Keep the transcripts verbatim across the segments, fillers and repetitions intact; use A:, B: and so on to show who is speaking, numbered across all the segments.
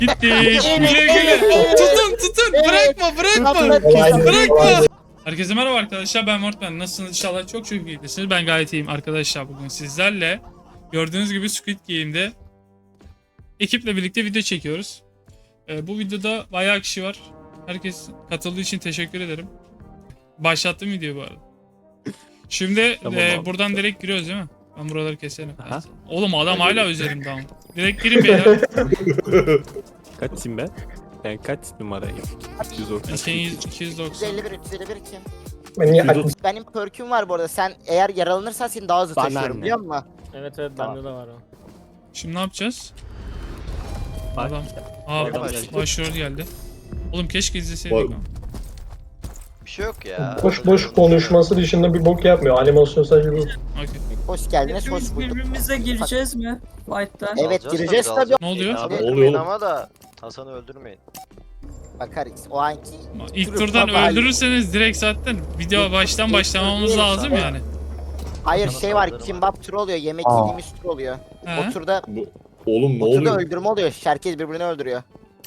A: Gittik. Güle güle. Tutun tutun. Bırakma bırakma.
B: Olay-
A: Bırakma. Herkese merhaba arkadaşlar, ben Mortman. Nasılsınız? İnşallah çok çok iyisiniz. Ben gayet iyiyim arkadaşlar, bugün sizlerle. Gördüğünüz gibi Squid Game'de ekiple birlikte video çekiyoruz. Ee, bu videoda bayağı kişi var. Herkes katıldığı için teşekkür ederim. Başlattım videoyu bu arada. Şimdi
C: Tamam
A: e,
C: abi.
A: buradan direkt giriyoruz değil mi? Ben buraları keserim.
C: Aha.
A: Oğlum adam hala üzerimde ama. Direkt girin beyler.
C: Kaçayım ben? Ben kaç numarayım? üç yüz doksan.
A: iki yüz, iki yüz doksan.
D: üç yüz elli bir, üç yüz elli bir kim?
B: Ben niye
C: Yüz otuz.
D: Benim perküm var bu arada. Sen eğer yaralanırsan seni daha hızlı
C: Bana
D: taşıyorum
C: ne?
D: biliyor musun?
E: Evet evet
D: Tamam.
E: bende de var o.
A: Şimdi ne yapacağız?
C: Bak.
A: Adam. Aa,
E: Adam geldi.
A: başrol geldi. Oğlum keşke izleseydik.
F: Bak-
A: ama.
G: Bir şey yok ya.
B: boş boş konuşması dışında bir bok yapmıyor. Animasyon sadece bu.
A: Okey.
D: Hoş geldiniz, hoş
H: Biz
D: bulduk.
H: birbirimize gireceğiz mi? Fight'ta.
D: Evet
G: Alacağız
D: gireceğiz
G: tabii,
D: tabii.
A: Ne oluyor?
G: Abi
F: Ne oluyor
G: öldürmeyin
F: oğlum?
G: ama da Hasan'ı öldürmeyin.
D: Bakarız. O anki
A: İlk
D: Kırık
A: turdan
D: baba.
A: öldürürseniz direkt zaten video baştan başlamamız lazım yani.
D: hayır
G: Sana
D: şey var.
G: saldırma.
D: Kimbap turu oluyor. Yemek
B: Aa.
D: yediğimiz tur oluyor.
A: He?
D: O turda,
F: Oğlum ne
D: o turda
F: oluyor?
D: öldürme oluyor. Herkes birbirini öldürüyor.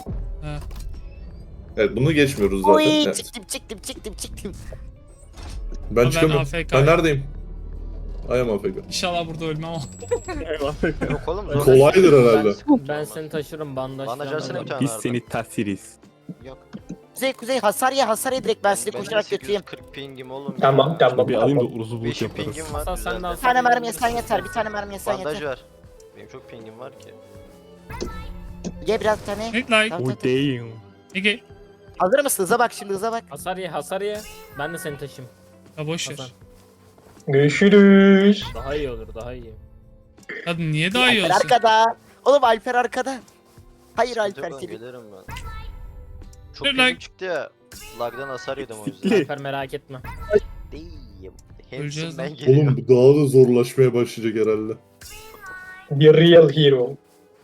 F: Evet bunu geçmiyoruz zaten.
D: Oy
F: Evet.
D: çıktım çıktım çıktım çıktım.
F: Ben
A: Ben
F: çıkamıyorum.
A: A F K.
F: Ben neredeyim? I am A F K.
A: İnşallah burada ölmem ama.
G: Yok oğlum zor.
F: Kolaydır herhalde.
E: Ben seni taşırım bandaj.
G: Bandaj
E: falan
G: versene
E: var.
G: bir tane.
C: Biz
G: Arda.
C: seni tasiriz.
D: Yok. Kuzey kuzey hasar ye hasar ye direkt ben sizi
G: Benim
D: koşarak
G: sekiz yüz
D: götüreyim.
G: kırk pingim oğlum.
B: Tamam
G: ya.
B: tamam.
C: Bir alayım da
B: tamam.
C: uruzu bulut
G: beş
C: yaparız.
G: pingim var.
E: Hasan sen de
G: güzel.
E: al.
D: Bir tane mermi yesen yeter. Bir tane mermi yesen
G: Bandaj
D: yeter.
G: ver. Benim çok pingim var ki.
D: Ye biraz bir tane.
A: Hit like.
D: Tamam,
C: Oh
D: tamam.
C: damn.
A: Ege.
D: Hazır mısın? Hıza bak şimdi hıza bak.
E: Hasar ye hasar ye. Ben de seni taşıyayım.
A: Ya boş ver.
E: Hasan.
B: Görüşürüz.
E: Daha iyi olur daha iyi.
A: Hadi niye daha iyi
D: Alper
A: olsun?
D: arkada. Oğlum Alper arkada. Hayır
G: Sıkıntı
D: Alper
G: yok,
D: seni.
G: gelirim ben. Çok
A: Dur
G: pingim
A: lan.
G: çıktı ya. Lag'dan hasar yedim o yüzden.
C: Sikli.
E: Alper merak etme.
G: Değil.
A: Öleceğiz
G: Hepsinden
A: lan.
G: geliyor.
F: Oğlum bu daha da zorlaşmaya başlayacak herhalde.
B: The real hero.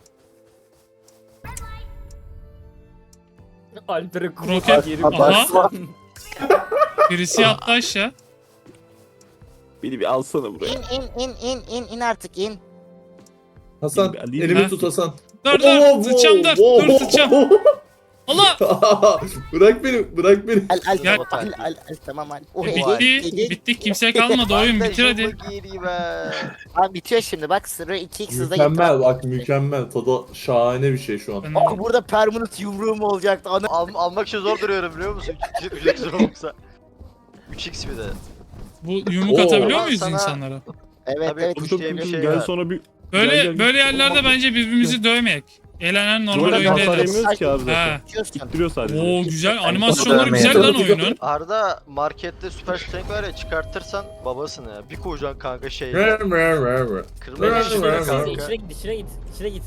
E: Alper'e
A: Roket.
E: yerim.
A: Aha. Birisi yattı aşağı.
C: Beni bir alsana buraya.
D: İn in in in in in artık in.
F: Hasan
C: Bir alayım
F: elimi
A: ha.
F: tut Hasan.
A: Dur dur. Sıçacağım dur. Dur sıçacağım. Allah.
F: Bırak beni, bırak beni.
D: Al al
A: Gel.
D: al al al al tamam al. Oh,
A: E,
D: Ege,
A: bitti.
D: Ege.
A: Bittik. Kimse kalmadı. Oyun bitir hadi.
G: Bandajımı giyeyim ben.
D: Abi bitiyor şimdi bak sırrı iki x hızda
F: Mükemmel
D: gitti.
F: bak mükemmel. Tadı şahane bir şey şu an.
A: Ben de-
D: Aa, burada permanent yumruğum olacaktı. Ana.
G: Al, almak için zor duruyorum biliyor musun? üç x olursa. üç x bir de.
A: Bu yumruk
F: Oo.
A: atabiliyor muyuz
G: Sana-
A: insanlara?
D: Evet
G: Tabii,
D: evet.
G: kuş
D: işte
G: diye bir
D: bir-
G: şey
C: Gel
G: var.
C: sonra bir...
A: Böyle
C: Gel, gel.
A: böyle yerlerde bence birbirimizi dövmeyek. Eğlenen normal
C: Burada
A: oyunda
C: hasar
A: ederiz.
C: yemiyoruz ki abi zaten.
A: Ha.
D: Bitiyorsun.
C: İttiriyor sadece.
A: Oo güzel. Animasyonları güzel lan oyunun.
G: Arda markette süper strength var ya çıkartırsan babasın ya. Bir kocaman kanka şey.
F: Ver, ver, ver, ver.
G: Kırmaya
F: Ver,
G: geçiyor
F: ver, ver.
G: kanka.
E: İçine git içine git içine git.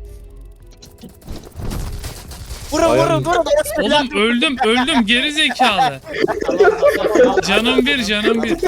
D: Vurun
F: Ayağım-
D: vurun vurun.
A: Oğlum öldüm öldüm geri zekalı.
E: Tamam Hasan.
A: Canım bir canım bir.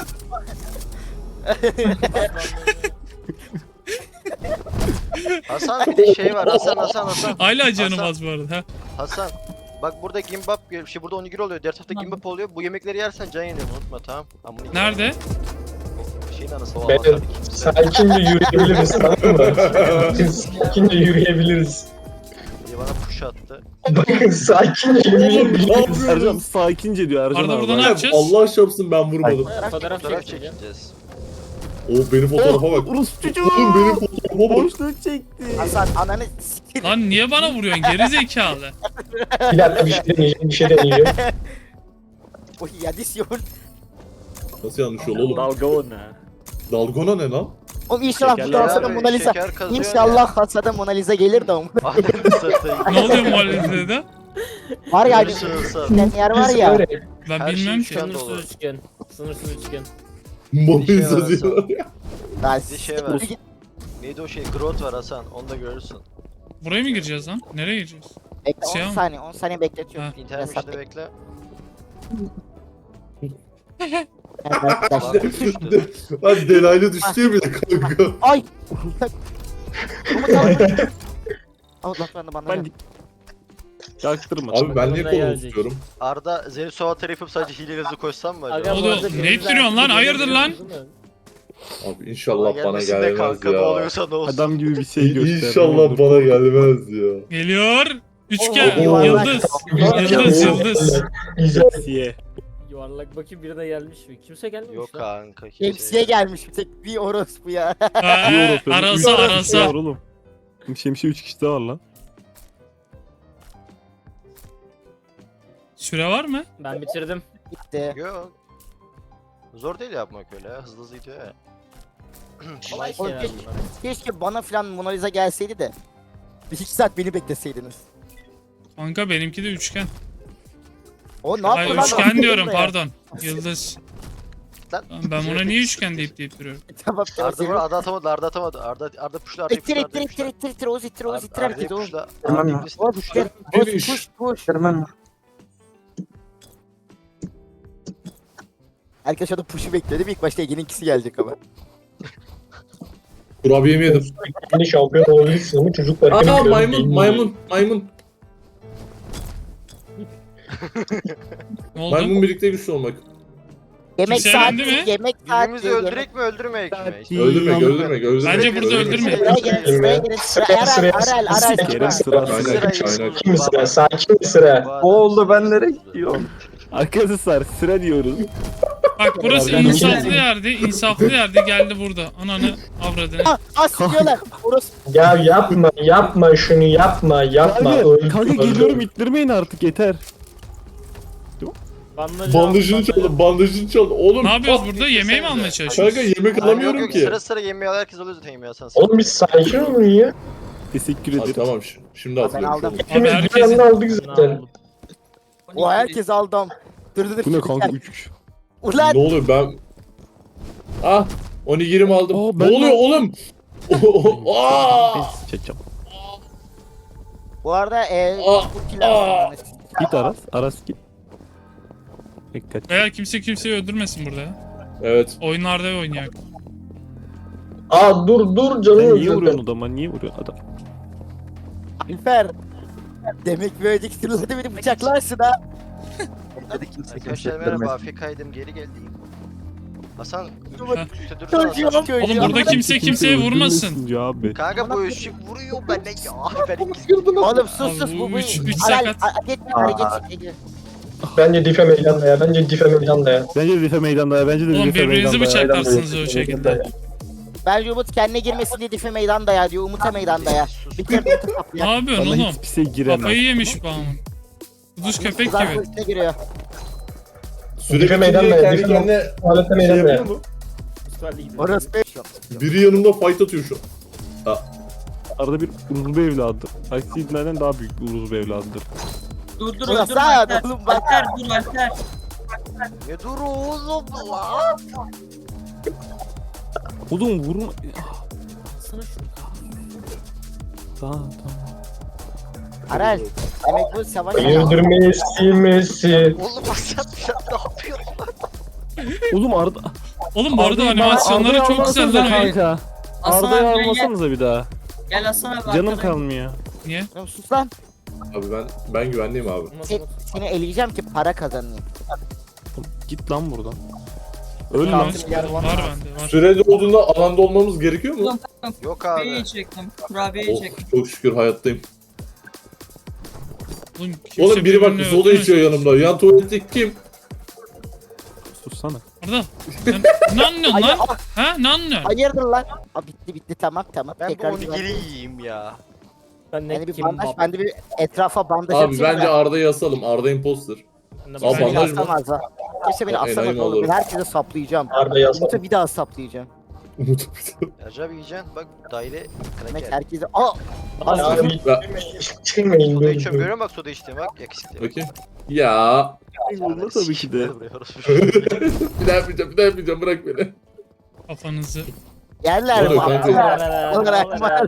G: Hasan bir şey var Hasan Hasan Hasan.
A: Hala canım
G: Hasan,
A: az bu arada. Ha.
G: Hasan. Bak burada gimbap, şey burada onigiri oluyor, diğer tarafta gimbap oluyor. Bu yemekleri yersen can yeniyor unutma tamam. Amına
A: Nerede?
G: Şeyin anası o
B: Ben-
G: Hasan kimse.
B: Sakince yürüyebiliriz tamam mı? Sakince yürüyebiliriz.
G: diye bana push attı.
B: Bakın sakince yürüyebiliriz.
C: Ercan sakince diyor Ercan
A: Arda
C: abi.
A: burada ne
C: Bak.
A: yapacağız?
F: Allah şapsın ben vurmadım.
E: Fotoğraf
G: Fotoğraf
E: çekeceğim.
G: çekeceğiz.
F: O benim fotoğrafa bak.
C: Urus çocuğu.
F: Oğlum benim fotoğrafa bak.
C: Boşluk çekti.
D: Hasan ananı siktir.
A: Lan niye bana vuruyorsun geri zekalı?
B: Bir dakika bir şey deneyeceğim bir şey deneyeceğim.
D: Oy yadisyon.
F: Nasıl yanlış yol oğlum?
C: Dalga o ne?
F: Dalgona ne lan?
D: Oğlum inşallah bu
C: Şekerler
D: da Hasan'ın
G: abi,
D: Mona Lisa.
G: şeker kazıyor
D: İnşallah Hasan'ın Mona Lisa gelir de oğlum.
G: Adem satayım.
A: Ne oluyor muhalefete?
D: Var ya
G: Görürsün Hasan.
D: giden yer var
B: Biz
D: ya.
B: öyle.
A: Ben
G: Her
A: bilmiyorum
G: şey
A: ki.
G: şu an-
E: Sınırsız üçgen. Sınırsız üçgen.
F: Mona
G: Bir şey var
F: Lisa diyorlar
G: Hasan.
F: ya.
D: Ben
G: Bir şey var. Neydi o şey? Growth var Hasan. Onu da görürsün.
A: Buraya mı gireceğiz lan? Nereye gireceğiz?
D: Bekle
A: Şey
D: on
A: ama.
D: saniye on saniye bekletiyorum.
A: Ha.
G: İnternet
D: Hesap
G: işte bekle.
D: bekle.
G: Lan düştü.
F: Lan delaylı düştü ya bir de kanka.
D: Ay. Allah ben de bana.
C: Ben yaktırma.
F: Abi ben niye
E: Bana
F: kolumu
E: gelecek.
F: tutuyorum?
G: Arda Zeynep tarafıp sadece hileyle hızlı koşsam mı
E: Aga,
G: acaba?
A: Oğlum,
E: bu arada
A: ne
E: denizler-
A: ittiriyorsun lan? Hayırdır lan?
F: Abi inşallah bana
G: gelmesin de
F: gelmez
G: kanka ne
F: ya.
G: oluyorsa ne olsun.
C: Adam gibi bir şey göster.
F: İnşallah bana gelmez ya.
A: Geliyor. Üçgen,
D: Oo, yuvarlak.
A: yıldız.
B: Güzel.
A: Yıldız, yıldız.
B: Güzel.
C: Siye.
E: Yuvarlak bakayım biri de gelmiş mi? Kimse gelmemiş
G: Yok
E: lan.
G: kanka.
D: Hepsiye gelmiş bir tek bir orospu ya.
A: Ha,
C: Bir Avrupa,
A: arasa
C: üç kişi
A: arasa.
C: var oğlum. Şemsiye üç kişi de var lan.
A: Süre var mı?
E: Ben bitirdim.
D: Gitti.
G: Yok. Zor değil yapmak öyle ya. Hızlı hızlı gidiyor ya.
E: Kolay
D: Oğlum
E: şeyler
D: keşke,
E: bunlar.
D: keşke bana falan Mona Lisa gelseydi de. Bir iki saat beni bekleseydiniz.
A: Kanka benimki de üçgen.
D: O ne
A: Ay
D: yaptı lan?
A: üçgen diyorum
D: Ya.
A: pardon. Yıldız.
G: Lan.
A: Lan ben buna niye üçgen deyip deyip duruyorum.
D: Tamam tamam.
G: Arda var, Arda atamadı, Arda atamadı. Arda, Arda puşla, Arda
D: İttir
G: puşla,
D: ittir
G: Arda
D: ittir
G: puşla.
D: ittir ittir Oğuz ittir Oğuz ittir
G: Arda'yı
D: herkes Oğuz.
G: puşla.
B: Tamam
G: Arda'yı
B: ya.
G: puşla,
D: Oğuz
G: puşla.
D: ittir. Oğuz
F: Finish.
D: push push.
B: Vermem.
D: Herkes şu anda push'u bekledi. İlk başta Ege'nin ikisi gelecek ama.
F: Kurabiyemi yedim.
B: Yeni şampiyon olabilirsin ama çocuklar.
F: Aa maymun maymun maymun.
A: Ne oldu?
F: Maymun birlikte güçlü olmak.
D: Yemek
A: Kimse
D: saati,
A: elendi mi?
D: yemek saati.
G: Birbirimizi
D: yemek-
G: öldürek mi öldürmeyek mi? İşte
F: Öldürmek öldürmek öldürmek.
A: Bence burada öldürme.
D: Sıraya girin, sıraya girin. Sıra Erel, Erel, Erel.
C: Kerem
D: sıra.
C: sıra.
F: Aynen.
G: Sırayı
F: Aynen.
B: Kim sıra? Sakin bir sıra.
G: O
B: oldu, ben nereye gidiyorum?
C: Arkadaşlar sıra diyoruz.
A: Bak burası
C: Ben-
A: insaflı yerdi. insaflı yerdi geldi burada. Ananı avradını.
D: Ah, ah siliyorlar. Orası.
B: Ya yapma, yapma şunu yapma, yapma.
C: Kanka,
B: Öldü,
C: kanka
B: öldü.
C: geliyorum ittirmeyin artık yeter.
E: Bandajı
F: Bandajını
E: al,
F: çaldı bandajını çaldı. Oğlum.
A: Ne yapıyoruz
F: ah,
A: burada? Yemeği mi almaya çalışıyoruz?
F: Kanka yemek
G: Yok
F: alamıyorum
G: yok
F: ki.
G: sıra sıra yemeği al, herkes alıyor zaten yemeği alsan.
B: Oğlum biz sakin olun ya.
C: Teşekkür
F: Hadi
C: ederim.
F: tamam şi- şimdi
D: Ben
F: hatırlıyorum.
D: aldım.
B: Hepimiz bir
A: herkesin-
B: anda aldık zaten.
D: O herkes aldım. Dur dur dur.
C: Bu ne kanka üç.
D: Ulan.
F: Ne oluyor ben... Ah! Onigirimi aldım.
C: Aa,
F: ne
C: ben
F: oluyor
C: de-
F: oğlum? Aa!
C: Çekeceğim.
D: Bu arada eee
F: Aa,
D: bu kill
F: aa.
D: aldım.
C: Git Aras. Aras git. Dikkat.
A: Veya kimse kimseyi öldürmesin burada ya.
F: Evet.
A: Oyunlarda oynayak.
B: Aa dur dur
C: Sen
B: canım
C: niye
B: öldürdün.
C: vuruyorsun adama? Niye vuruyorsun adam?
D: Alper. Demek böyle diktirlerde beni bıçaklarsın ha.
G: Arkadaşlar merhaba, Afrika'ydım, geri geldim. Hasan,
D: Çocuğum,
G: üstte dursana Hasan.
D: çocuğum.
A: Oğlum burada kimse kimseye vurmasın.
C: öldürmesin Ya abi.
G: Kanka bu ışık vuruyor bana ya. Ben ikisi
D: Oğlum sus
A: Abi
D: sus
A: bu
D: bu bu.
A: üç- üç
D: Aral,
A: sakat.
D: a- geç hareket çekici.
B: Bence dife meydanda ya. Bence dife meydanda ya.
C: Bence de Rife meydanda ya. Bence de
A: Oğlum
C: Rife
A: birbirinizi
C: meydanda ya.
A: bıçaklarsınız o şekilde.
D: Bence Umut kendine girmesin diye dife meydanda ya diyor. Umut'a meydanda ya. Bir kere Umut'a
A: Ne
D: saplıyor.
A: yapıyorsun
C: Bana
A: oğlum?
C: hiçbir şey giremez.
A: Kafayı yemiş bu amın. Kuduz köpek
D: Kızar
A: gibi.
D: üstüne giriyor.
F: Süre
B: Dife meydanda
F: bitince
B: ya.
F: kendi
B: Dife
F: kendine
B: tuvalete
F: şey
B: meydanda ya.
F: yapıyor mu?
E: İsrail'de gidiyor.
D: Orası be.
F: Biri yanımda fight atıyor şu an.
C: Arada bir Uruzlu evladı. Aksiliklerden daha büyük bir Uruzlu evladıdır.
H: Dur dur
D: Ulan
H: dur
D: sağ
H: Alper.
D: oğlum bak.
H: Alper dur Alper.
G: Ne dur oğlum lan?
C: Oğlum vurma.
E: Sana şunu.
C: Tamam tamam.
D: Aral. Demek bu savaş.
B: Öldürmeyi silmesi.
G: Oğlum Hasan sen ne yapıyorsun?
C: Oğlum Arda...
A: Oğlum bu arada
C: Arda'yı-
A: animasyonları
C: Arda'yı
A: çok güzel
C: almasanıza
A: lan.
C: kanka.
H: Hasan
C: Arda'yı
H: abi gel.
C: almasanıza bir daha.
H: Gel Hasan abi.
C: Canım
H: arkadan.
C: kalmıyor.
A: Niye?
D: Oğlum sus lan.
F: Abi ben ben güvenliyim abi.
E: Umut,
D: Sen,
E: Umut.
D: seni eleyeceğim ki para kazanayım.
C: Oğlum, Git lan buradan. Öl
A: Var
C: lan.
D: Kalsın bir yer var.
A: bende var.
F: Sürede olduğunda alanda olmamız gerekiyor mu?
G: Yok
H: Kurabiyeyi
G: abi.
H: çektim. Kurabiyeyi
F: Oh
H: çektim.
F: çok şükür hayattayım.
A: Oğlum, kimse
F: Oğlum biri bak
A: birbirini
F: soda
A: öldürmesin.
F: içiyor yanımda. Yan tuvalette kim?
C: Sussana.
A: Arda. Sen ne anlıyorsun
D: Ay,
A: lan?
D: ah,
A: Ha ne anlıyorsun?
D: hayırdır lan? Aa, bitti bitti tamam tamam.
G: Ben bu
D: Tekrar
G: onigiri
D: güven.
G: yiyeyim ya.
E: Ben ne
D: Yani bir
E: kim
D: bandaj,
E: bab.
D: ben de bir etrafa bandaj
F: Abi
D: atayım
F: bence
D: da.
F: Arda'yı asalım. Arda imposter.
E: Ben de
F: Abi,
D: Kimse
E: bandaj-
D: beni
F: bandaj mı?
D: asamaz ha. Kimse beni
F: O enayi
D: asamaz
F: mi
D: oğlum.
F: olur?
D: Ben herkese saplayacağım.
B: Arda yazdı.
D: Umut'u bir daha saplayacağım.
F: Umut.
G: Acaba yiyeceksin bak daire
D: Demek
G: kraker.
D: herkese... Aa!
B: Ya bir çıkmayın
G: Soda
B: böyle.
G: içiyorum görüyor musun bak soda içtiğim bak yakışıklı.
F: Bakayım. Ya.
C: Vurma tabii ki de.
F: bir daha yapmayacağım, bir daha yapmayacağım. Bırak beni.
A: Kafanızı.
D: Yerler
F: Ne
D: mi?
F: oluyor kanka?
D: Aptal. Olarak var.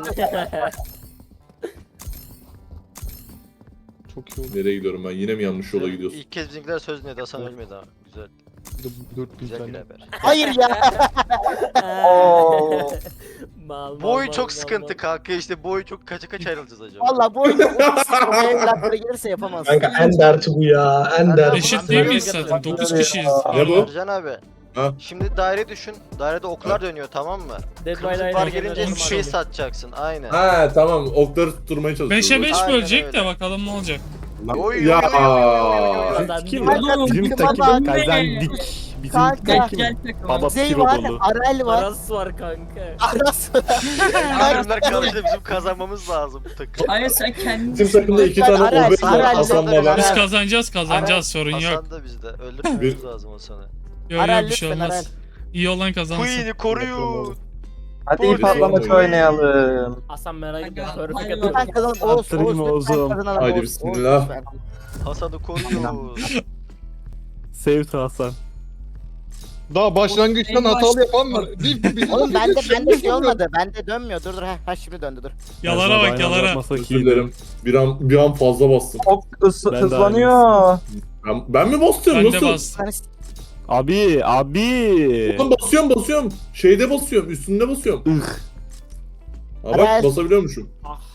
C: Çok iyi oldu.
F: Nereye gidiyorum ben? Yine mi yanlış yola gidiyorsun?
G: İlk kez bizimkiler söz dinledi Hasan ölmedi ha. Güzel. Güzel bir haber.
D: Hayır ya. Oo.
E: Mal, mal,
G: Boy
E: mal,
G: çok
E: mal,
G: sıkıntı
E: mal.
G: kanka işte boy çok kaça kaç ayrılacağız acaba?
D: Valla bu oyunda o evlatlara gelirse yapamaz.
B: Kanka en derti bu ya. En derti.
A: Eşit değil miyiz zaten? dokuz kişiyiz.
F: Ne bu?
G: Ercan abi.
F: Ha.
G: Şimdi daire düşün. Dairede oklar dönüyor, tamam mı?
E: Dead by
G: Kırmızı
E: Daylight
G: bar
E: oynadım
G: gelince
E: abi.
G: bir şey satacaksın. Aynen.
F: Ha tamam, okları tutturmaya çalışıyoruz.
A: beşe beş
G: Aynen
A: bölecek
G: öyle.
A: de bakalım ne olacak.
G: Oy,
F: Ya.
G: oy, oy, oy, oy, oy, oy.
E: Kazandık.
C: Kim?
D: Kanka,
C: Bizim
D: takıma
C: takım
D: bak.
C: kazandık. Bizim
D: Kanka.
H: Gel
C: takım.
H: gel takıma.
C: Baba
D: Kuzey
C: piro
D: var,
C: dolu.
D: Arel var.
E: Aras var kanka.
D: Aras.
G: Hayır, bunlar karşıda, bizim kazanmamız lazım bu takım.
H: Hayır sen kendin
F: Bizim takımda iki
D: Ben
F: tane
D: Aral,
F: obez var.
D: Aral,
F: Hasan
D: Aral.
F: Baba.
A: Biz kazanacağız kazanacağız
D: Ara-
A: sorun yok.
G: Hasan da bizde. Öldürmemiz lazım o sana.
A: Yok
D: Arel
A: yok bir şey
D: lütfen,
A: olmaz.
D: Arel.
A: İyi olan kazansın.
G: Queen'i koruyun.
I: Hadi
G: Oy.
I: ip atlamaç oynayalım.
E: Hasan merak etme.
H: Kanka,
E: Perfect
H: hayır.
E: atıyorum.
D: Lütfen kazanalım. Oğuz,
C: Attırayım
D: Oğuz, lütfen
C: Oğuz'um.
D: kazanalım.
F: Haydi
D: Oğuz,
F: bismillah.
D: Oğuz, lütfen.
G: Hasan'ı koruyun.
C: Sevdi Hasan.
J: Daha başlangıçtan hatalı yapan var. Bir, bir,
D: Oğlum bende bende şey olmadı. Bende dönmüyor. Dur dur. Ha, ha şimdi döndü dur.
A: Yalara bak yalara.
F: Özür dilerim. Bir an, bir an fazla bastım.
I: Çok hız,
C: Ben de
I: hızlanıyor.
F: Ben, ben mi basıyorum?
A: Ben de
F: Nasıl?
A: bastım.
D: Hani
C: Abi abi.
F: Oğlum basıyorum basıyorum. Şeyde basıyorum. Üstünde basıyorum.
C: Ih.
F: Ha bak,
D: Arel.
F: basabiliyormuşum.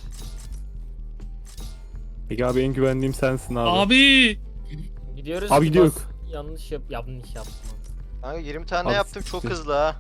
C: Peki abi en güvendiğim sensin abi.
A: Abi
E: Gidiyoruz.
C: Abi gidiyoruz.
E: Bas- Yanlış yap. Yanlış yaptım.
G: Kanka yirmi tane
C: Abi,
G: yaptım, çok
C: siktir.
G: hızlı ha.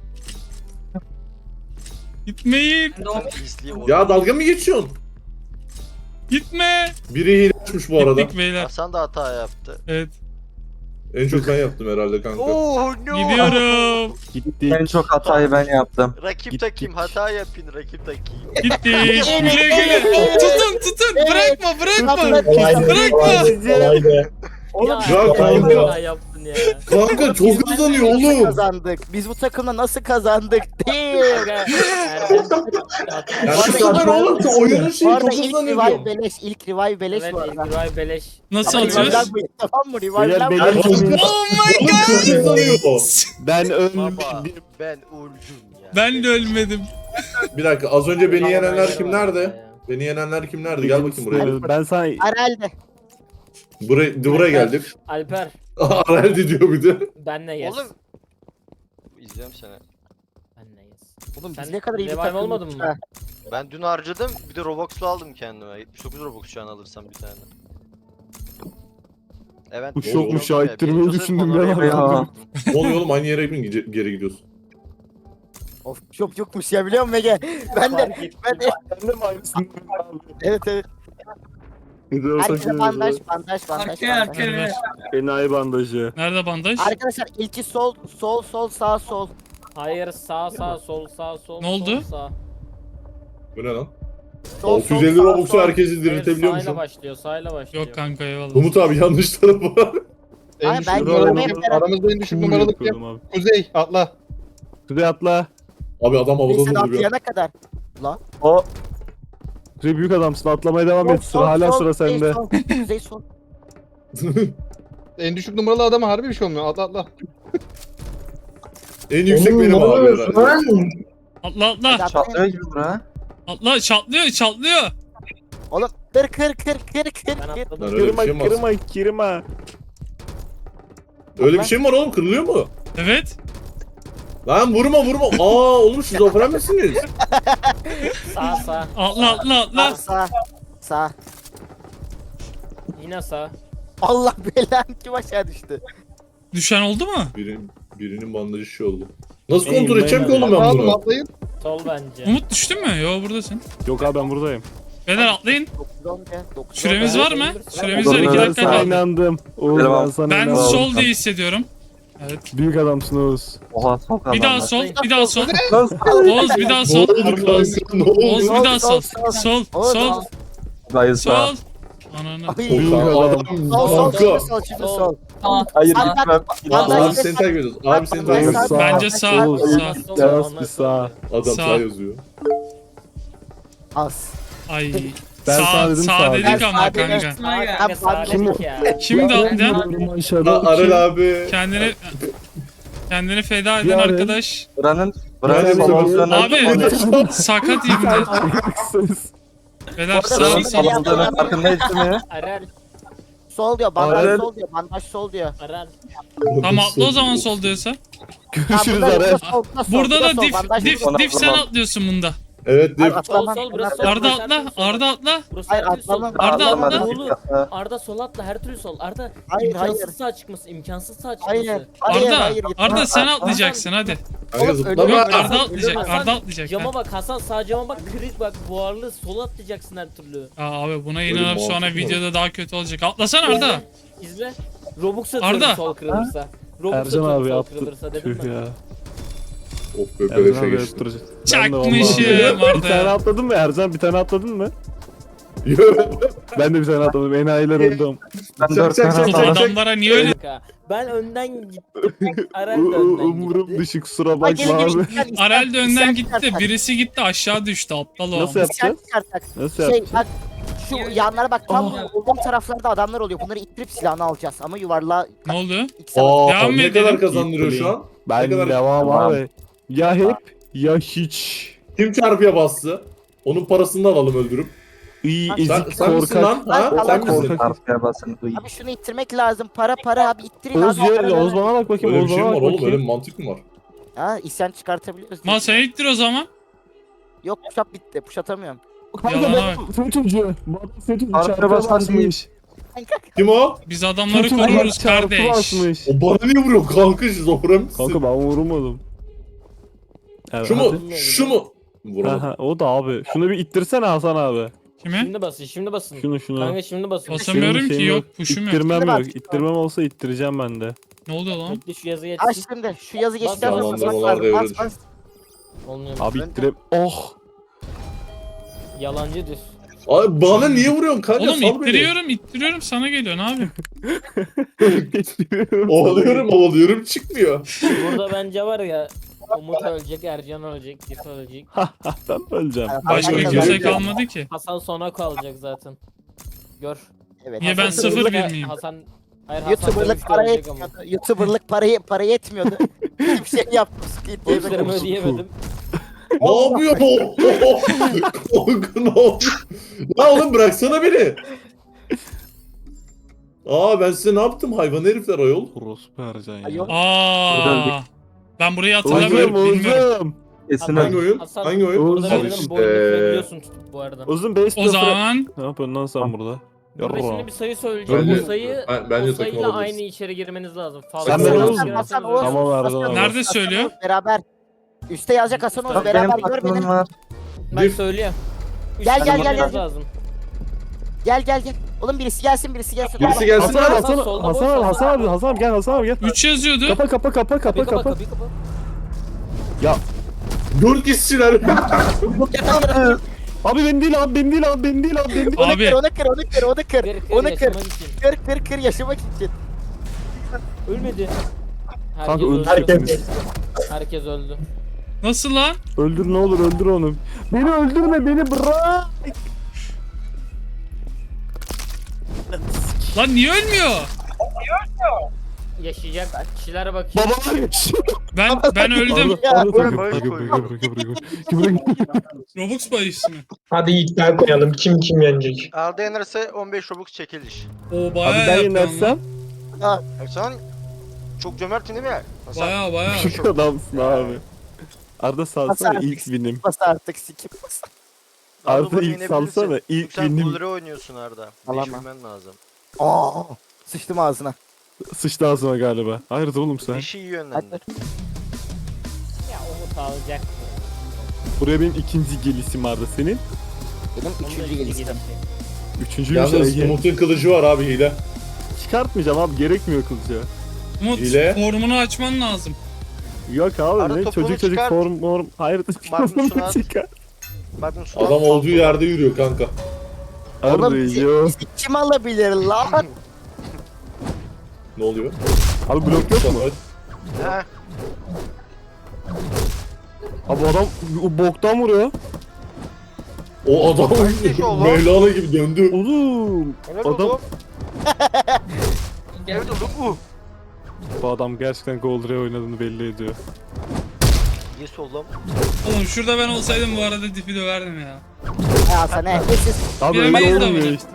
A: gitmeyin.
H: Ben de o
G: İzleyeyim
F: Ya dalga mı geçiyorsun?
A: Gitme.
F: Biri hile açmış bu arada.
A: Gittik beyler.
G: Hasan da hata yaptı.
A: Evet.
F: En çok ben yaptım herhalde kanka.
G: Oh no.
A: Gidiyorum.
C: Gittik.
I: En çok hatayı ben yaptım.
G: Rakip
C: Gittik.
G: takayım, hata yapın rakip takayım.
A: Gittik. Güle güle. Tutun tutun. Bırakma bırakma.
B: Kolaydı.
A: Bırakma.
B: Kolaydı. Kolaydı.
E: Oğlum
F: Ya kanka.
E: hata yaptın ya.
F: Kanka çok hızlanıyor
D: Nasıl
F: oğlum.
D: kazandık? Biz bu takımla nasıl kazandık? Değil.
E: Kanka, Erdem-
F: Ya
D: Bu
F: şu
D: arada
F: saçma oğlum, şu oyunun
D: Bu
F: şeyi
D: arada
F: çok
D: ilk
F: hızlanıyor
D: revive
F: diyorum.
D: beleş. İlk revive beleş
E: Evet,
D: bu arada.
E: Revive beleş.
A: Nasıl
D: Ama
A: atıyoruz?
D: revive'den bu- Tamam mı?
C: Beyler,
D: Revive'den
C: beyler,
D: bu-
C: kimin-
A: Oh my
F: Oğlum çok hızlanıyor.
C: Ben
G: Baba
C: ölmedim.
G: ben öldüm ya.
A: Ben de ölmedim.
F: Bir dakika, az önce beni yenenler
E: Vallahi
F: kimlerdi?
E: ya.
F: Beni yenenler kimlerdi? Gel bakayım buraya.
C: Ben sana
D: Arel'de.
F: Buraya, buraya geldik.
E: Alper.
F: Arel'di diyor bir de.
E: Benle yes.
G: Oğlum. İzliyorum seni.
E: Benle yes.
D: Oğlum biz
E: Sen
D: ne kadar iyi bir
E: revive
D: takım.
E: olmadın mı?
G: Ben dün harcadım, bir de Robux'lu aldım kendime. yetmiş dokuz Robux şu an alırsam bir tane. Evet.
C: Uç
F: yok,
C: uşağı ittirmeyi düşündüm ben abi.
I: Ya.
F: Ne oluyor oğlum, aynı yere mi gide- geri gidiyorsun?
D: Of çok yokmuş ya biliyor musun Ege? Ben de
E: Fark ettim.
D: ben de
C: Ben de mi aynısını abi?
D: evet evet. Herkese bandaj bandaj bandaj.
H: arkaya
D: bandaj.
H: arkaya ver.
C: Enayi bandajı.
A: Nerede bandaj?
D: Arkadaşlar ilki sol sol sol sağ sol.
E: Hayır sağ sağ sol sağ sol.
A: Ne oldu?
E: Sol, sağ.
F: Bu ne lan?
D: Sol,
F: altı yüz elli
D: sol, sağ,
F: Robux'u
D: sol.
F: herkesi
E: Hayır,
F: diriltebiliyormuşum.
E: sağıyla başlıyor sağıyla başlıyor.
A: Yok kanka eyvallah.
F: Umut abi yanlış tarafa.
J: en
D: Hayır,
J: düşük
D: ben
J: numaralı
D: görmeye
J: kim?
D: merak-
J: Aramızda en düşük
C: Kim
J: numaralı kim?
C: yapıyordum abi?
J: Kuzey atla.
C: Kuzey atla.
F: Abi adam havada
D: Neyse
F: duruyor.
D: atlayana kadar.
I: O
C: Kuzey büyük adamsın, atlamaya devam
D: Sol,
C: et.
D: sol,
C: Sıra hala
D: sol,
C: sıra
D: kuzey,
C: sende.
D: sol, Kuzey sol.
J: En düşük numaralı adama harbi bir şey olmuyor. Atla atla.
F: En yüksek
B: Oğlum,
F: benim
B: ne
F: abi
B: oluyorsun
F: herhalde.
B: lan?
A: Atla atla.
D: Hadi
I: çatlıyor
D: atlayın.
I: gibi bura.
A: Atla çatlıyor çatlıyor.
D: Oğlum kır kır kır kır kır
E: Ben
D: kır.
F: Lan
E: atladım.
F: öyle bir
C: Kırma
F: şey mi var?
C: kırma kırma.
F: Öyle bir şey mi var oğlum, kırılıyor mu?
A: Evet.
F: Lan vurma vurma. Aa oğlum şizofren misiniz?
E: Sağ sağ.
A: Atla atla
D: Sağ
A: atla.
D: sağ. Sağ.
E: Yine sağ.
D: Allah belanı kim aşağı düştü.
A: Düşen oldu mu?
F: Biri, birinin bandajı şey oldu. Nasıl
C: Ey,
F: kontrol edeceğim ki
C: ben-
F: oğlum ben
J: Atla
F: bunu?
J: atlayın.
E: Sol bence.
A: Umut düştün mü? Yo buradasın.
C: Yok abi ben buradayım.
A: Beyler atlayın.
D: dokuz on ya, dokuz on.
A: Süremiz var mı? Süremiz var.
I: Dur,
A: iki
I: dur,
C: Ben
A: dakika
C: sana
A: kaldı.
C: inandım. Oğuz ben
I: Devam.
C: sana
A: Ben
C: inandım.
A: sol diye hissediyorum. Evet.
C: Büyük adamsın Oğuz.
I: Oha sol
A: Bir daha
I: kazandı.
A: sol, bir daha sol.
I: Sol.
A: Oğuz bir daha
F: Ne
A: sol.
F: oldu kanka? Ne
A: Oğuz
F: oldu?
A: bir daha sol.
D: Sol,
A: Sol,
D: Oğuz,
A: sol,
D: Oğuz.
I: Hayır sağ.
A: sol. Ananı.
D: Ay,
C: Büyük
F: Kanka,
C: adam.
F: adam-
D: Sol sol
F: Kanka.
D: şimdi sol şimdi sol.
H: Aa,
I: Hayır
D: Abi,
I: gitmem.
D: bak,
I: Gitmem.
D: bandaj-
F: Abi seni takip ediyoruz. Abi seni takip ediyoruz.
C: Sağ.
A: Bence sağ,
C: Oğuz.
A: sağ.
E: Sol,
C: Biraz
E: onlar
C: bir
E: sol.
C: sağ.
F: Adam
A: Sağ.
F: sağ yazıyor.
D: Az.
A: Ay.
C: Ben
A: sağ,
C: sağ dedim,
A: sağ
C: sağ
A: dedik
D: dedim.
A: ama
D: Sağ dedim.
A: kanka.
H: Sağ gel.
E: Kanka sağ
D: Kim
E: dedik ya.
A: Şimdi atlayan
F: Ha, Arel abi.
A: kendini kendini feda eden
C: Ya,
A: arkadaş.
I: Buranın
F: Nerede
I: buranın
F: bu?
I: promosyonu.
A: Abi sakat ibne. Beyler
D: Orada
A: sağ.
D: bir-
I: Salondığının farkındayız değil mi?
E: Arel.
D: Sol diyor bandaj
I: Arel.
D: sol diyor bandaj sol diyor.
E: Arel.
A: Tamam atla o zaman sol diyorsa.
D: Ha,
C: Görüşürüz
D: burada-
C: Arel.
D: burada sol, burada
A: Burada
D: sol,
A: da dif
D: bandaj
A: dif
D: burada.
A: dif sen
I: Tamam.
A: atlıyorsun bunda.
F: Evet
D: Hayır,
F: Dif.
D: atlamam.
E: Sol, sol, burası sol.
A: Arda atla. Arda atla.
E: Burası
D: Hayır,
E: her türlü sol.
D: atlamam.
A: Arda
I: Atla,
A: atla.
E: Oğlum,
I: atla.
E: Arda sol atla her türlü sol. Arda
D: Hayır,
E: imkansız
D: hayır.
E: sağ çıkması, imkansız sağ çıkması.
D: Hayır. Hayır,
A: Arda.
D: hayır. gitme.
A: Arda sen
D: Aa,
A: atlayacaksın hadi.
F: Kanka
D: Oğlum,
F: zıplama.
D: ölüyorum.
A: Yok Arda
D: Hasan,
A: atlayacak.
E: Hasan,
A: Arda atlayacak.
E: Cama
A: ha.
E: bak Hasan, sağ cama bak, kırık bak, buharlı, sola atlayacaksın her türlü.
A: Aa, abi buna
F: Öyle
A: inanıp
F: mantıklı
A: sonra
F: mı?
A: videoda daha kötü olacak. Atlasana Arda.
E: İzle. Robux atıyorum
A: Arda.
E: sol kırılırsa. Robux
C: Ercan
E: atıyorum
C: abi
E: sol
C: yaptı.
E: kırılırsa dedim
C: Tüh
E: mi?
C: ya.
F: Of be
C: Ercan
F: beleşe
C: abi
F: geçtim.
C: öptürecek.
A: Çakmışım
C: Bir tane
A: Arda.
C: atladın mı Ercan? Bir tane atladın mı? Ben de bir tane atladım. Enayiler öldüm.
I: Ben dört
F: çak,
I: tane
F: çak,
A: Oğlum
I: atladım.
A: adamlara niye öyle?
E: Kanka, ben önden gittim. Arel de önden
C: Umurum
E: gitti.
C: dışı kusura
D: Ay,
C: bakma
D: gelin, gelin,
C: abi.
D: isyan, isyan,
A: Arel de önden
D: isyan
A: gitti de
D: çıkartak.
A: birisi gitti aşağı düştü aptal o.
C: Nasıl
D: İsyan
C: yapacağız?
D: çıkartak.
C: Nasıl
D: Şey
C: yapacağız?
D: bak şu yanlara bak tam
C: Oh.
D: olduğum taraflarda adamlar oluyor. Bunları ittirip silahını alacağız ama yuvarlığa
A: Ne oldu?
D: ikisi alacağız.
F: Aa,
A: Devam
F: ne
A: edelim.
F: kadar kazandırıyor şu an?
C: Ben
F: Ne kadar-
C: devam
I: Tamam.
C: abi. Ya hep ya hiç.
F: Kim çarpıya bastı? Onun parasını da alalım öldürüp.
C: İyi
D: Sen-
F: Sen,
C: ezik
F: sen misin
C: korkak.
F: lan? Ha?
D: Ben-
F: Sen
D: ben-
F: misin?
C: korkak.
I: Arkaya basın. Uy.
D: Abi şunu ittirmek lazım. Para para abi ittirin
C: Oğuz
D: abi.
C: ya,
D: para,
C: Oğuz
D: para.
C: bana bak bakayım.
F: Öyle bir
C: Oğuz
F: şey mi
C: bana
F: var
C: bak
F: oğlum? Öyle
C: bakayım.
F: bir mantık mı var?
D: Ha isyan çıkartabiliyoruz.
A: Mal sen ittir o zaman.
D: Yok push up bitti. Push atamıyorum.
C: Kanka
A: Yalana
C: ben FETÖ'cü. Bu adam FETÖ'cü.
I: Arkaya
C: Çarpıya
I: basan
C: basmış.
F: Kim o?
A: Biz adamları
C: FETÖ'cü
A: koruruz
C: çarpı
A: kardeş.
C: basmış.
F: O bana niye vuruyor kanka şizofren misin?
C: Kanka ben vurmadım. Evet,
F: Şu mu?
C: hadi.
F: Şu mu? Vuramadım.
C: Aha, o da abi. Şunu bir ittirsene Hasan abi.
A: Kime?
E: Şimdi basın, şimdi basın.
C: Şunu şunu.
E: Kanka şimdi basın.
A: Basın. Basamıyorum
C: Benim
A: ki,
C: şeyim
A: yok, push'um yok.
C: İttirmem
D: Şimdi bak.
C: yok. İttirmem olsa ittireceğim ben de.
A: Ne oldu lan?
E: Bekle şu yazı
D: Aç
E: yetsin.
D: şimdi. Şu yazı geçtikten
E: Bas,
D: sonra
F: bas,
D: basmak
F: bas,
D: lazım. Bas
F: devre
D: bas.
E: Olmuyor.
C: Abi
D: Ben de-
C: ittirem. Oh.
E: Yalancı düz.
F: Abi bana niye vuruyorsun kanka?
A: Oğlum
F: Sal beni.
A: ittiriyorum ittiriyorum sana geliyor ne yapayım?
F: Ovalıyorum ovalıyorum çıkmıyor.
E: Burada bence var ya, Umut ölecek, Ercan ölecek, Dif ölecek.
C: Ben öleceğim.
A: Başka
F: Hayır,
A: kimse
F: hayır.
A: kalmadı ki.
E: Hasan sona kalacak zaten. Gör.
D: Evet.
A: Niye ben
E: Hasan
A: sıfır
E: ölecek,
A: bir miyim?
E: Hasan... Hayır Hasan
D: YouTuber'lık
E: dövüşte
D: para
E: ölecek ama.
D: yetmiyordu. YouTuber'lık parayı para yetmiyordu. Hiçbir şey yaptım. Squid Game'e
E: Borçlarımı
D: koydum.
E: ödeyemedim.
F: Ne yapıyor bu? Kanka ne yapıyor? Ya oğlum bıraksana beni. Aa ben size ne yaptım hayvan herifler ayol?
C: Orospu Ercan
D: Ay,
C: ya.
D: yok.
A: Aa. Ben burayı
C: Oğuzum
A: hatırlamıyorum bilmiyorum.
C: Oğuzum.
I: Kesin
E: Hasan-
F: Hangi oyun?
E: Hasan-
F: Hangi oyun?
E: Burada
C: Oğuzum.
E: benim
F: işte.
E: boynu görebiliyorsun tutup bu arada.
C: Oğuzum base
A: O zaman
C: Ne yapıyorsun lan sen burada?
E: Burada
C: Yarra.
E: şimdi bir sayı söyleyeceğim.
F: Bence-
E: O sayı,
F: ben- bence
E: o
F: takım
E: sayıyla
F: olabiliriz.
E: aynı içeri girmeniz lazım.
C: Sen
E: Fazla
C: ben
E: sayı
C: Oğuz-
E: girerseniz
D: Hasan
E: ölürsünüz.
D: Oğuz.
C: Tamam Ercan
D: Hasan
C: abi.
A: Nerede
D: Oğuz,
A: söylüyor?
D: Hasan Oğuz Beraber. Üste yazacak Hasan Oğuz
I: Bak
D: beraber
I: benim
D: gör
I: aklım
D: beni.
I: var.
E: Ben
F: Dif.
E: söyleyeyim. Üç
D: Gel,
E: tane
D: gel, gel,
E: girmeniz
D: gel.
E: lazım.
D: Gel gel gel. Oğlum birisi gelsin birisi gelsin.
F: Birisi
D: Tamam.
F: gelsin
C: Hasan abi
F: lan.
C: Hasan
E: solda
C: Hasan
E: boş,
C: abi
E: Hasan
C: Hasan abi Hasan abi gel Hasan abi gel.
A: üç yazıyordu.
C: Kapa kapa kapa kapa
E: Kapıyı kapa,
C: kapa.
E: kapıyı kapa.
F: Dört kişiler.
C: Abi ben değil abi ben değil abi ben değil abi ben değil.
D: Onu
A: Abi.
D: kır, onu kır, onu kır, onu kır.
E: Kır, kır,
D: Onu kır.
E: yaşamak için.
D: Kır, kır, kır yaşamak için.
E: Ölmedi. Herkes
C: Kanka
E: öldü.
C: öldürsünüz.
E: Herkes öldü.
A: Nasıl lan?
C: Öldür ne olur öldür onu. Beni öldürme beni bırak.
A: Lan niye ölmüyor?
E: Yaşayacak kişilere bak.
C: Babalar yaşıyor.
A: Ben ben öldüm.
D: Ya,
A: Robux bahis mi?
B: Hadi iddia koyalım. Kim kim yenecek?
G: Arda yenerse on beş Robux çekiliş.
A: O
C: Abi
A: bayağı
C: ben
A: yapıyorsun lan.
C: yenersem
G: E sen çok cömertin değil mi? Hasan.
A: Bayağı bayağı.
C: adamsın abi. Arda salsana
D: Hasan-
C: ilk winim.
D: Bas artık sikip bas.
C: Arda
G: bunu
C: ilk
G: yenebilirsin.
C: salsana ilk
G: Sen
C: winim.
G: Buller'e oynuyorsun Arda.
D: Alamam.
G: Değiştirmen lazım.
D: Aa, sıçtım ağzına.
C: Sıçtı ağzıma galiba. Hayır oğlum sen.
G: Dişi iyi yönlendir.
E: Ya Umut alacak.
C: Buraya benim ikinci gelisim Arda senin.
D: Benim üçüncü geliştim.
C: Üçüncü
F: Yalnız
C: bir şey.
F: Umut'un kılıcı var abi hile.
C: Çıkartmayacağım abi gerekmiyor kılıca.
A: Umut
F: Hile.
A: formunu açman lazım.
C: Yok abi
G: Arda
C: ne
G: topuğunu
C: çocuk çocuk
G: çıkart.
C: form form. Hayır
G: Magnus'unu
C: topuğunu
G: at.
C: çıkar.
G: Bakın şu
F: Adam olduğu yerde yürüyor kanka.
C: Arda
D: Oğlum bizi,
C: yok.
D: bizi kim alabilir lan?
F: Ne oluyor?
C: Abi blok yok mu?
G: He.
C: Abi adam o boktan vuruyor.
F: O adam
G: Kardeş oğlum.
F: Mevlana gibi döndü.
C: Oğlum.
G: Helal
C: Adam-
G: oğlum. Evet oğlum bu.
C: Bu adam gerçekten Gold Ray oynadığını belli ediyor.
G: Yes oğlum.
A: Oğlum şurada ben olsaydım bu arada dipi döverdim ya.
D: Ya sana neyse.
C: Abi
A: Bilemeyiz
C: öyle
A: de
C: olmuyor
A: bunu.
C: işte.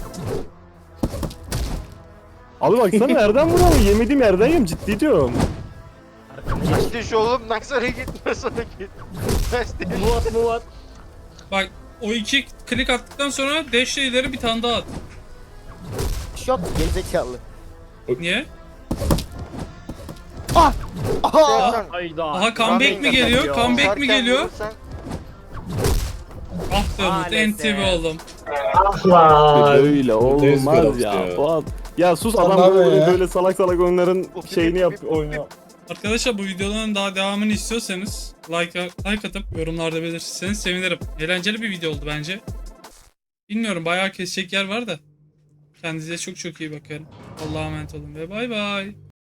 C: Abi baksana nereden vuruyor? Yemediğim yerden yem ciddi diyorum.
G: İşte şu oğlum Naksar'a gitme sana git. İşte.
E: Muvat muvat.
A: Bak o iki klik attıktan sonra dash ileri bir tane daha at.
D: Şok gerizekalı.
A: Niye?
D: Ah! Aha!
G: Serkan,
E: Hayda.
A: Aha comeback mi geliyor? Comeback mi
G: Serkan
A: geliyor?
G: vurursan-
A: Ah be Umut
E: Maalesef.
A: enti bi oldum.
B: Lan.
C: Böyle olmaz ya.
F: ya.
C: Fuat. Ya sus
J: Tamam
C: adam böyle,
J: ya.
C: böyle salak salak oyunların
G: Of,
C: şeyini
G: bip,
C: yap
G: bip,
C: oynuyor.
A: Arkadaşlar bu videoların daha devamını istiyorsanız like, like atıp yorumlarda belirtirseniz sevinirim. Eğlenceli bir video oldu bence. Bilmiyorum bayağı kesecek yer var da. Kendinize çok çok iyi bakın. Allah'a emanet olun ve bay bay.